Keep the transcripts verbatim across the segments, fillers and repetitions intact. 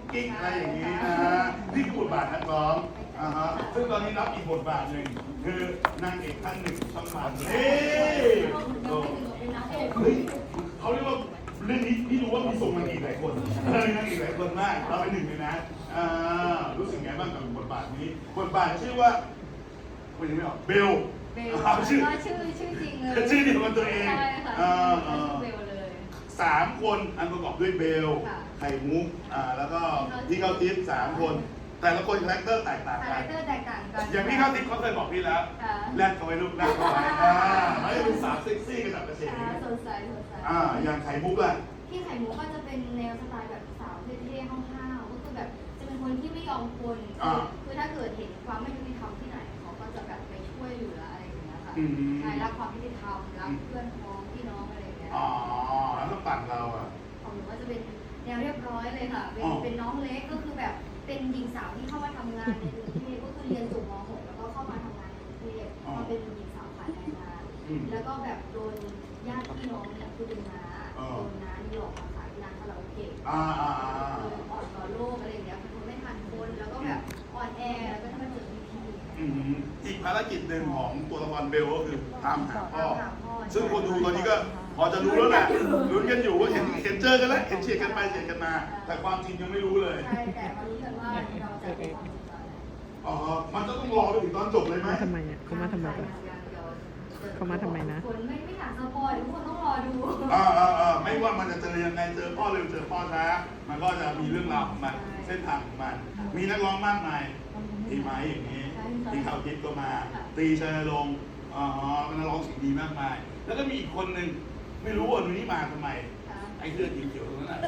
กิ๊กอะไรอย่างนี้นะฮะนี่คือบทบาทนักร้องอ่าฮะซึ่งตอนนี้รับอีกบทบาทหนึ่งคือนางเอกท่านหนึ่งช่องวันเฮ้ยเฮ้ยเขาเรียกว่าเรื่องนี้พี่รู้ว่ามีส่งนางเอกหลายคนเออนางเอกหลายคนมากเราเป็นหนึ่งเลยนะอ่ารู้สึกไงบ้างกับบทบาทนี้บทบาทชื่อว่าคุณยังไม่ออกเบลเบลชื่อชื่อชื่อจริงเลยชื่อเดียวกับตัวเองใช่ค่ะชื่อเบลเลยสามคนอันประกอบด้วยเบลไข่มุกอ่าแล้วก็พี่เข้าทิพย์สามคนแต่ละคนคาแรคเตอร์แตกต่างกันคาแรคเตอร์แตกต่างกันอย่างพี่เข้าทิพย์เขาเคยบอกพี่แล้วแรกเขาไว้ลูกแรกเขาไว้อ่าเขาจะเป็นสาวเซ็กซี่กระดับกระเฉงสดใสสดใสอ่าอย่างไข่มุกล่ะพี่ไข่มุกก็จะเป็นแนวสไตล์แบบสาวเท่ๆห้าวๆก็คือแบบจะเป็นคนที่ไม่ยอมคนคือถ้าเกิดเห็นความไม่ยุติธรรมที่ไหนเขาก็จะแบบไปช่วยเหลืออะไรอย่างเงี้ยค่ะใช่รักความยุติธรรมรักเพื่อนพ้องพี่น้องอะไรอย่างเงี้ยอ๋อแล้วฝั่งเราอ่ะของหนูก็จะเป็นแนวเรียบร้อยเลยค่ะเป็นเป็นน้องเล็กก็คือแบบเป็นหญิงสาวที่เข้ามาทำงานในกรุงเทพก็คือเรียนจบม หก แล้วก็เข้ามาทำงานในกรุงเทพมาเป็นหญิงสาวขายแรงงานแล้วก็แบบโดนญาติพี่น้องเนี่ยคือเป็นน้าโดนน้านี่หลอกมาขายที่ร้านคาราโอเกะอ่อนต่อโลกอะไรอย่างเงี้ยเป็นคนไม่ทันคนแล้วก็แบบอ่อนแอแล้วก็ถ้ามาเจอพี่พีอีกภารกิจหนึ่งของตัวละครเบลก็คือตามหาพ่อซึ่งคนดูตอนนี้ก็พอจะรู้แล้วแหละลุ้นกันอยู่ว่าเห็นเห็นเจอกันแล้วเห็นเฉียดกันไปเฉียดกันมาแต่ความจริงยังไม่รู้เลยใช่แต่มารู้กันว่าเราจะเป็นความจริงแล้วอ๋อมันจะต้องรอไปถึงตอนจบเลยไหมทำไมอ่ะเขามาทำไมกันเขามาทำไมนะคนไม่ไม่อยากสปอยทุกคนต้องรอดูอ่าอ่าอ่าไม่ว่ามันจะเจอยังไงเจอพ่อเร็วเจอพ่อช้ามันก็จะมีเรื่องราวของมันเส้นทางของมันมีนักร้องมากมายทีไม้อย่างนี้ที่เขาคิดก็มาตีชัยลงอ๋อเป็นนักร้องเสียงดีมากมายแล้วก็มีอีกคนหนึ่งไม่รู้ว่าหนูนี่มาทำไมไอ้เสื้อสีเขียวตรงนั้น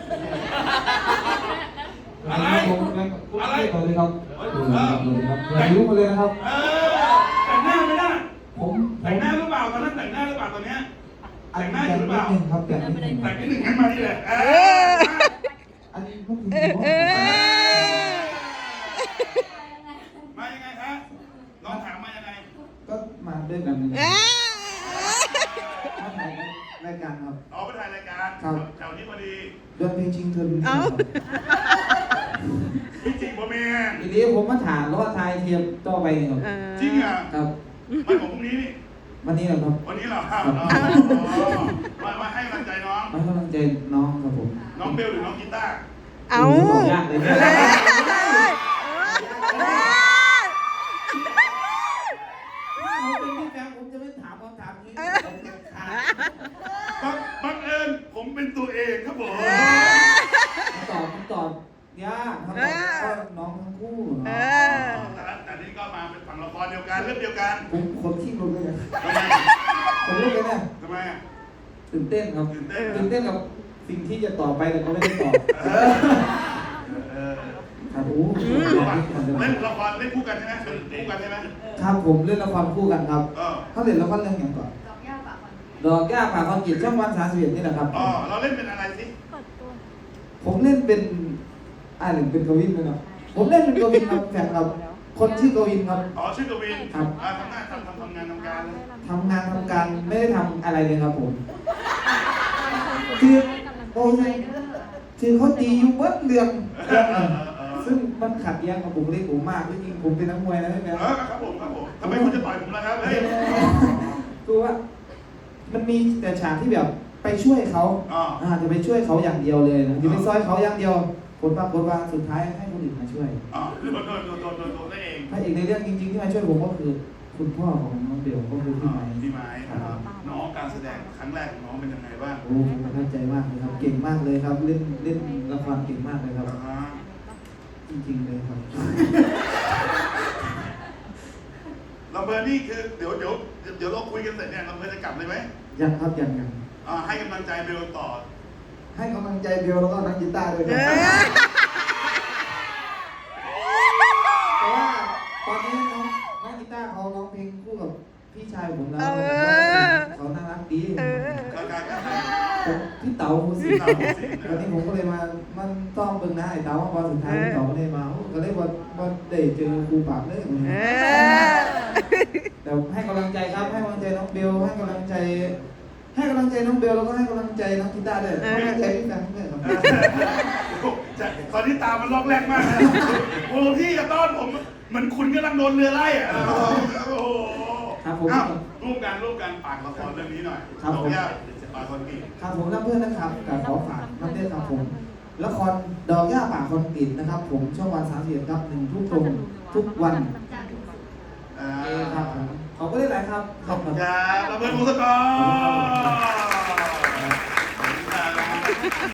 อะไรอะไรสวัสดีครับสวัสดีครับอย่ายุ่งมาเลยนะครับแต่งหน้าไม่ได้ผมแต่งหน้าหรือเปล่าตอนนั้นแต่งหน้าหรือเปล่าตอนนี้แต่งหน้าอยู่หรือเปล่าครับแต่งนิดนึงแต่งนิดนึงงั้นมาที่เลยอันนี้พวกคุณมายังไงครับลองถามมายังไงก็มาด้วยกันมาถ่ายรายการครับอ๋อไปถ่ายรายการครับแถวนี้พอดีเดือนเพลงชิงเทินพี่จริงป่ะแม่ทีนี้ผมมาถามแล้วว่าทายเทียมต่อไปครับจริงอ่ะครับไม่ของพรุ่งนี้นี่วันนี้เหรอครับวันนี้เหรอครับมามาให้กำลังใจน้องมาให้กำลังใจน้องครับผมน้องเบลหรือน้องกีตาร์เอายากเลยผมจะไม่ถามคำถามนี้บังเอิญผมเป็นตัวเองครับผมตอบตอบยากครับก็น้องทั้งคู่แต่แต่นี่ก็มาเป็นฝั่งละครเดียวกันเรื่องเดียวกันผมคนขี้ลุกเลยคนลุกเลยนะทำไมอ่ะตื่นเต้นครับตื่นเต้นตื่นเต้นกับสิ่งที่จะต่อไปแต่ก็ไม่ได้ตอบครับโอ้เล่นละครเล่นคู่กันใช่ไหมคู่กันใช่ไหมครับผมเล่นละครคู่กันครับเขาเล่นละครเรื่องอย่างก่อนดอกหญ้าป่าคอนกรีตช่องวันสามสิบเอ็ดนี่แหละครับอ๋อเราเล่นเป็นอะไรสิผมเล่นเป็นอ่าหนึ่งเป็นกวินเลยครับผมเล่นเป็นกวินครับแฟนครับคนชื่อกวินครับอ๋อชื่อกวินครับทำงานทำทำทำงานทำการทำงานทำการไม่ได้ทำอะไรเลยครับผมคือโอ้ยคือเขาตีอยู่เบิ้ลเรื่องซึ่งมันขัดแย้งกับผมเลยผมมากจริงๆผมเป็นนักมวยนะพี่แม่ครับผมครับผมทำไมคุณจะต่อยผมล่ะครับเฮ้ยคือว่ามันมีแต่ฉากที่แบบไปช่วยเขาอ่าจะไปช่วยเขาอย่างเดียวเลยนะจะไปซอยเขาอย่างเดียวผลปรากฏว่าสุดท้ายให้คนอื่นมาช่วยอ๋อคือโดนโดนโดนโดนโดนโดนได้เองพระเอกในเรื่องจริงๆที่มาช่วยผมก็คือคุณพ่อของน้องเบลก็คือพี่ไม้พี่ไม้ครับน้องการแสดงครั้งแรกของน้องเป็นยังไงบ้างโอ้ประทับใจมากเลยครับเก่งมากเลยครับเล่นเล่นละครเก่งมากเลยครับจริงๆเลยครับลำเพลินนี่คือเดี๋ยวเดี๋ยวเดี๋ยวเราคุยกันเสร็จเนี่ยลำเพลินจะกลับเลยไหมยังครับยังยังให้กำลังใจเบลต่อให้กำลังใจเบลแล้วก็นักกีตาร์ด้วยครับเพราะว่าตอนนี้น้องนักกีตาร์เขาร้องเพลงคู่กับพี่ชายผมแล้วเขาน่ารักดีพี่เต๋าโมซิวันนี้ผมก็เลยมามันต้องเบิ่งหน้าไอ้เต๋าพอสุดท้ายพี่เต๋าก็เลยมาก็เลยว่าว่าได้เจอครูปราบเลยแต่ให้กำลังใจครับให้กำลังใจน้องเบลให้กำลังใจให้กำลังใจน้องเบลแล้วก็ให้กำลังใจน้องกีตาร์ด้วยให้กำลังใจพี่แฟนด้วยครับตอนนี้ตามันล็อกแรกมากนะโอ้พี่อย่าต้อนผมเหมือนคุณกำลังโดนเรือไล่อะโอ้โหครับผมอ้าวร่วมกันร่วมกันฝากละครเรื่องนี้หน่อยครับผมขออนุญาตฝากคนปีครับผมรับเพื่อนนะครับกับขอฝากน้ำเต้นครับผมละครดอกหญ้าป่าคนติดนะครับ ผมช่องวันสามสิบเอ็ดครับหนึ่งทุ่มตรงทุกวันจากทุกสุดอ่าเอครับผมขอบคุณหลายๆครับขอบคุณครับระเบิดมุสกร